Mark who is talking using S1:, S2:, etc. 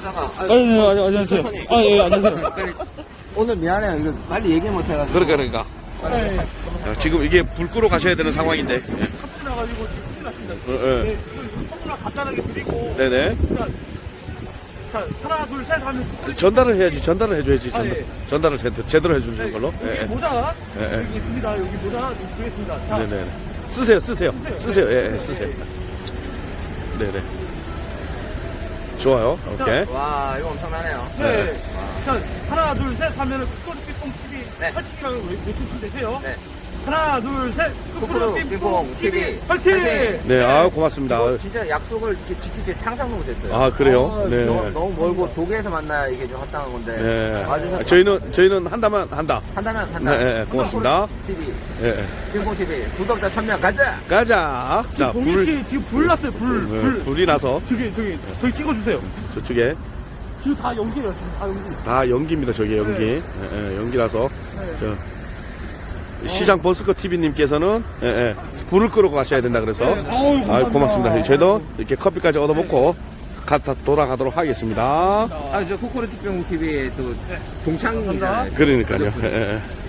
S1: 그러다가
S2: 안녕하세요. 예, 안녕하세요.
S1: 오늘 미안해요. 이거 빨리 얘기 못 해가지고.
S2: 그러니까. 야, 지금 이게 불 끄러 가셔야 되는 상황인데.
S3: 나가지고 지금 큰일 났습니다.
S2: 예.
S3: 네, 선물을 간단하게 드리고.
S2: 네네.
S3: 자, 하나, 둘, 셋 하면.
S2: 전달을 해야지. 전달을 해줘야지.
S3: 아, 예.
S2: 전달을 제대로 해주는 걸로.
S3: 여기
S2: 예.
S3: 모자.
S2: 예, 예.
S3: 여기 있습니다. 여기 모자 드리겠습니다. 자,
S2: 네네. 쓰세요. 쓰세요. 예, 쓰세요. 네네. 좋아요. 오케이.
S1: 와, 이거 엄청나네요.
S3: 네. 자, 하나, 둘, 셋 하면은 쿠쿠루 삐뽕 TV
S1: 네.
S3: 펼치기라고 외쳐주면 되세요.
S1: 네.
S3: 하나, 둘, 셋.
S1: 쿠쿠루 삐뽕 TV.
S3: 화이팅!
S2: 네, 아 고맙습니다.
S1: 이거 진짜 약속을 이렇게 지킬지 상상도 못했어요.
S2: 아, 그래요? 네.
S1: 너무 멀고 독일에서 만나야 이게 좀 합당한 건데.
S2: 네.
S1: 와주셔서
S2: 저희는 한다면 한다.
S1: 한다면
S2: 네, 고맙습니다.
S1: TV,
S2: 예.
S1: 빙봉 TV 구독자 1000명 가자.
S2: 가자.
S3: 지금
S2: 자,
S3: 공일씨 지금 불 났어요. 불.
S2: 불이 나서
S3: 저기 찍어주세요.
S2: 저쪽에
S3: 지금 다 연기예요. 지금 다 연기.
S2: 다 연기입니다. 저게 연기.
S3: 네.
S2: 예, 연기 나서
S3: 네.
S2: 저 시장 버스커 TV님께서는 불을 끄러 가셔야 된다 그래서
S3: 네. 아우, 감사합니다.
S2: 고맙습니다. 저희도 이렇게 커피까지 얻어먹고 갔다 돌아가도록 하겠습니다.
S1: 아, 저 쿠쿠루 빙봉 TV에 또 동창이잖아요.
S2: 그러니까요. 예, 예.